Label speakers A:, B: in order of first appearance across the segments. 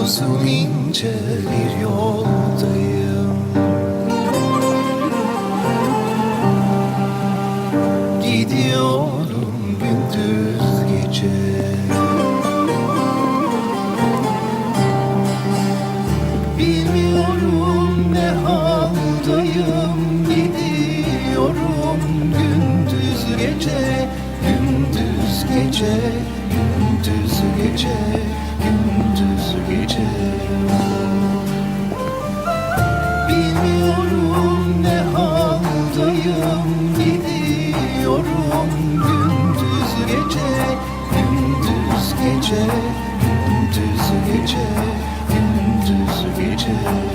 A: uzun ince bir yoldayım. Gidiyorum gündüz gece. Bilmiyorum ne haldayım. Gidiyorum gündüz gece. Gündüz gece, gündüz gece, gündüz gece. Bilmiyorum ne haldayım. Gidiyorum gündüz gece, gündüz gece, gündüz gece, gündüz gece.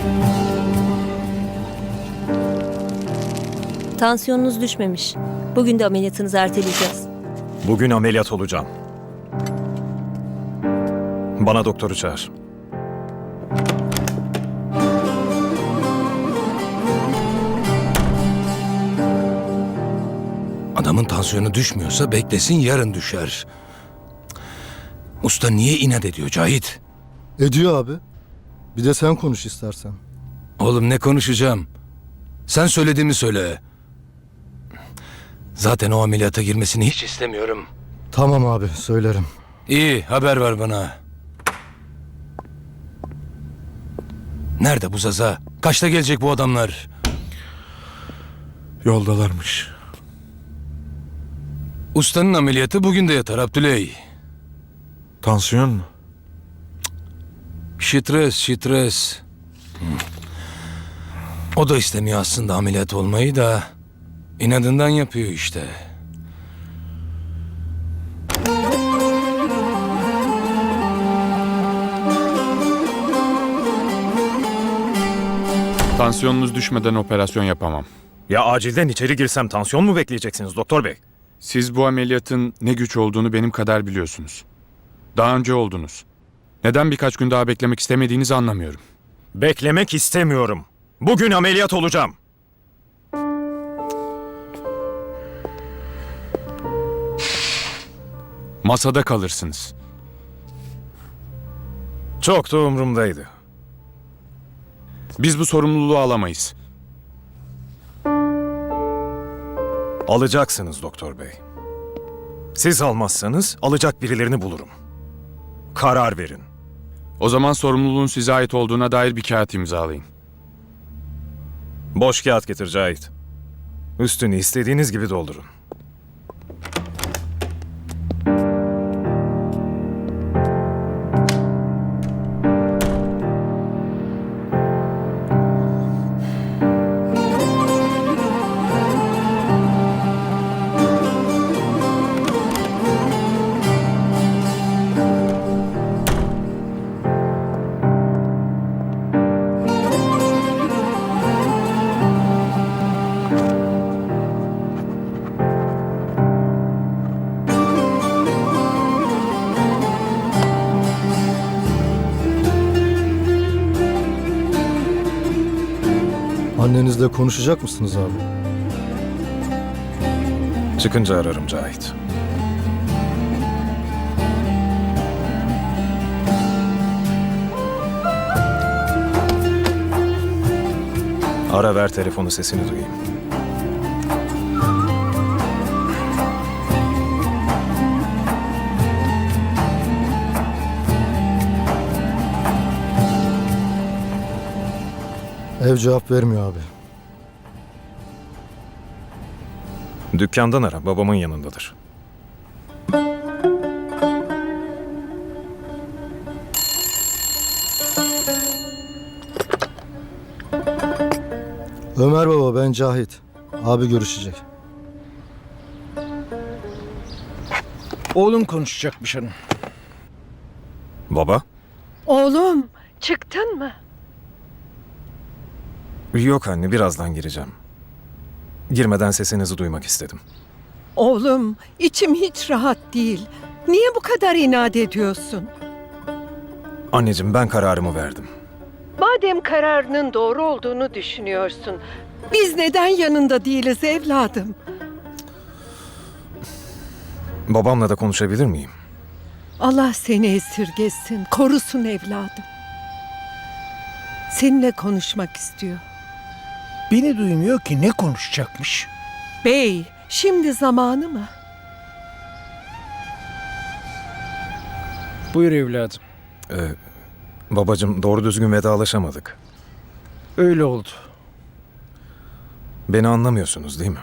B: Tansiyonunuz düşmemiş. Bugün de ameliyatınızı erteleyeceğiz.
C: Bugün ameliyat olacağım. Bana doktoru çağır.
D: Adamın tansiyonu düşmüyorsa beklesin, yarın düşer. Usta niye inat ediyor Cahit?
E: Ediyor abi. Bir de sen konuş istersen.
D: Oğlum ne konuşacağım? Sen söylediğimi söyle. Zaten o ameliyata girmesini hiç istemiyorum.
E: Tamam abi, söylerim.
D: İyi, haber ver bana. Nerede bu Zaza? Kaçta gelecek bu adamlar?
F: Yoldalarmış.
D: Ustanın ameliyatı bugün de yatar Abdüley.
F: Tansiyon mu?
D: Stres. O da istemiyor aslında ameliyat olmayı da inadından yapıyor işte.
G: Tansiyonunuz düşmeden operasyon yapamam.
C: Ya acilden içeri girsem tansiyon mu bekleyeceksiniz doktor bey?
G: Siz bu ameliyatın ne güç olduğunu benim kadar biliyorsunuz. Daha önce oldunuz. Neden birkaç gün daha beklemek istemediğinizi anlamıyorum.
C: Beklemek istemiyorum. Bugün ameliyat olacağım.
G: Masada kalırsınız.
C: Çok da umurumdaydı.
G: Biz bu sorumluluğu alamayız.
C: Alacaksınız doktor bey. Siz almazsanız alacak birilerini bulurum. Karar verin.
G: O zaman sorumluluğun size ait olduğuna dair bir kağıt imzalayın.
C: Boş kağıt getir Cahit. Üstünü istediğiniz gibi doldurun.
E: Annenizle konuşacak mısınız abi?
C: Çıkınca ararım Cahit. Ara ver telefonu, sesini duyayım.
E: Ev cevap vermiyor abi.
C: Dükkandan ara, babamın yanındadır.
E: Ömer baba, ben Cahit. Abi görüşecek.
H: Oğlum konuşacakmış hanım.
C: Baba?
I: Oğlum, çıktın mı?
C: Yok anne, birazdan gireceğim. Girmeden sesinizi duymak istedim.
I: Oğlum, içim hiç rahat değil. Niye bu kadar inat ediyorsun?
C: Anneciğim, ben kararımı verdim.
I: Madem kararının doğru olduğunu düşünüyorsun, biz neden yanında değiliz evladım?
C: Babamla da konuşabilir miyim?
I: Allah seni esirgesin, korusun evladım. Seninle konuşmak istiyor.
H: Beni duymuyor ki, ne konuşacakmış?
I: Bey, şimdi zamanı mı?
H: Buyur evladım.
C: Babacığım, doğru düzgün vedalaşamadık.
H: Öyle oldu.
C: Beni anlamıyorsunuz değil mi?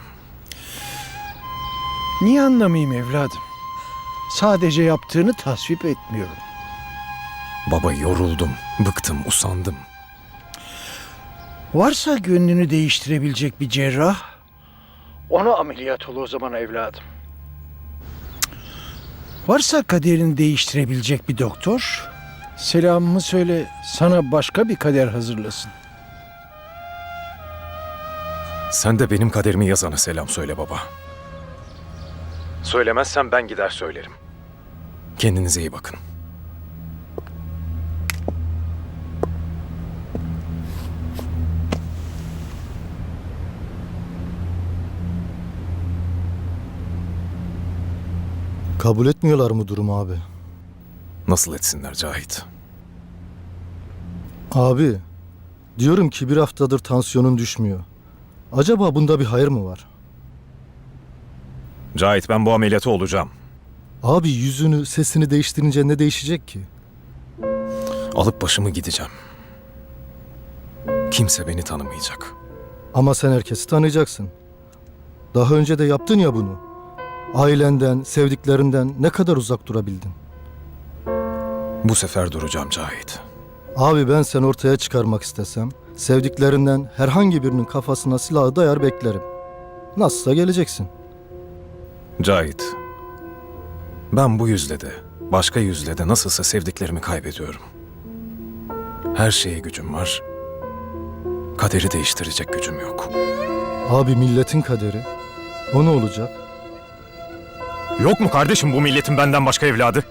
H: Niye anlamayayım evladım? Sadece yaptığını tasvip etmiyorum.
C: Baba, yoruldum, bıktım, usandım.
H: Varsa gönlünü değiştirebilecek bir cerrah, ona ameliyat ol o zaman evladım. Varsa kaderini değiştirebilecek bir doktor, selamımı söyle, sana başka bir kader hazırlasın.
C: Sen de benim kaderimi yazana selam söyle baba. Söylemezsen ben gider söylerim. Kendinize iyi bakın.
E: Kabul etmiyorlar mı durumu abi?
C: Nasıl etsinler Cahit?
E: Abi, diyorum ki bir haftadır tansiyonun düşmüyor. Acaba bunda bir hayır mı var?
C: Cahit, ben bu ameliyatı olacağım.
E: Abi yüzünü, sesini değiştirince ne değişecek ki?
C: Alıp başımı gideceğim. Kimse beni tanımayacak.
E: Ama sen herkesi tanıyacaksın. Daha önce de yaptın ya bunu. Ailenden, sevdiklerinden ne kadar uzak durabildin?
C: Bu sefer duracağım Cahit.
E: Abi ben seni ortaya çıkarmak istesem, sevdiklerinden herhangi birinin kafasına silahı dayar beklerim. Nasılsa geleceksin.
C: Cahit, ben bu yüzle de, başka yüzle de nasılsa sevdiklerimi kaybediyorum. Her şeye gücüm var. Kaderi değiştirecek gücüm yok.
E: Abi milletin kaderi. O ne olacak?
C: Yok mu kardeşim bu milletin benden başka evladı?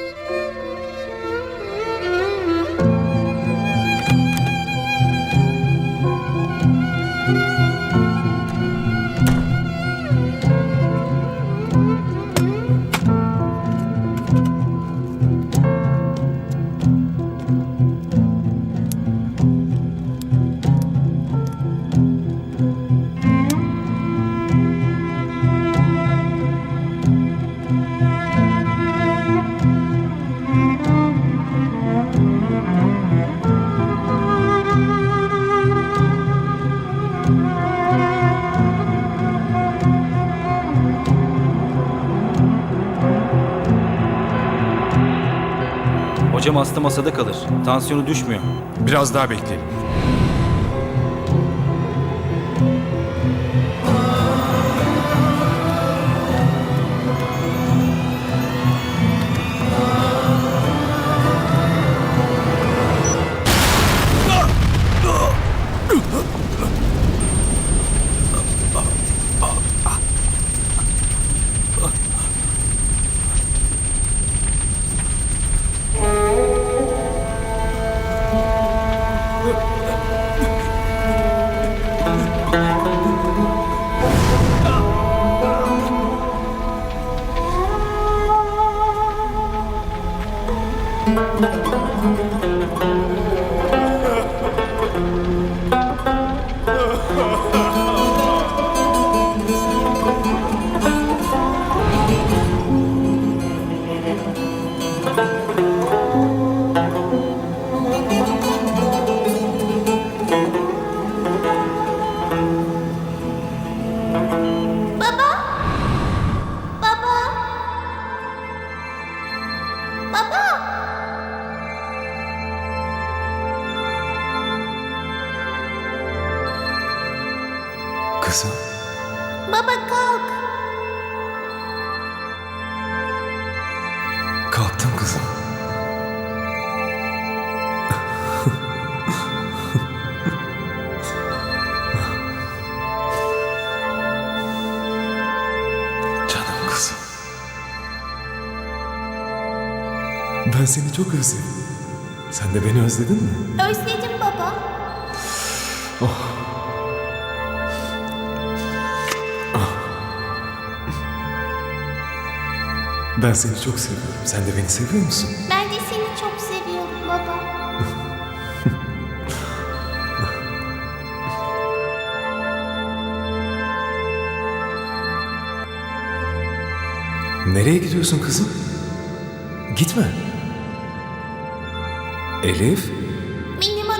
J: Hocam hasta masada kalır. Tansiyonu düşmüyor.
G: Biraz daha bekleyelim.
C: Kızım.
K: Baba kalk.
C: Kalktım kızım. Canım kızım. Ben seni çok özledim. Sen de beni özledin mi?
K: Özledim baba.
C: Ben seni çok seviyorum. Sen de beni seviyor musun?
K: Ben de seni çok seviyorum baba.
C: Nereye gidiyorsun kızım? Gitme. Elif,
K: Benim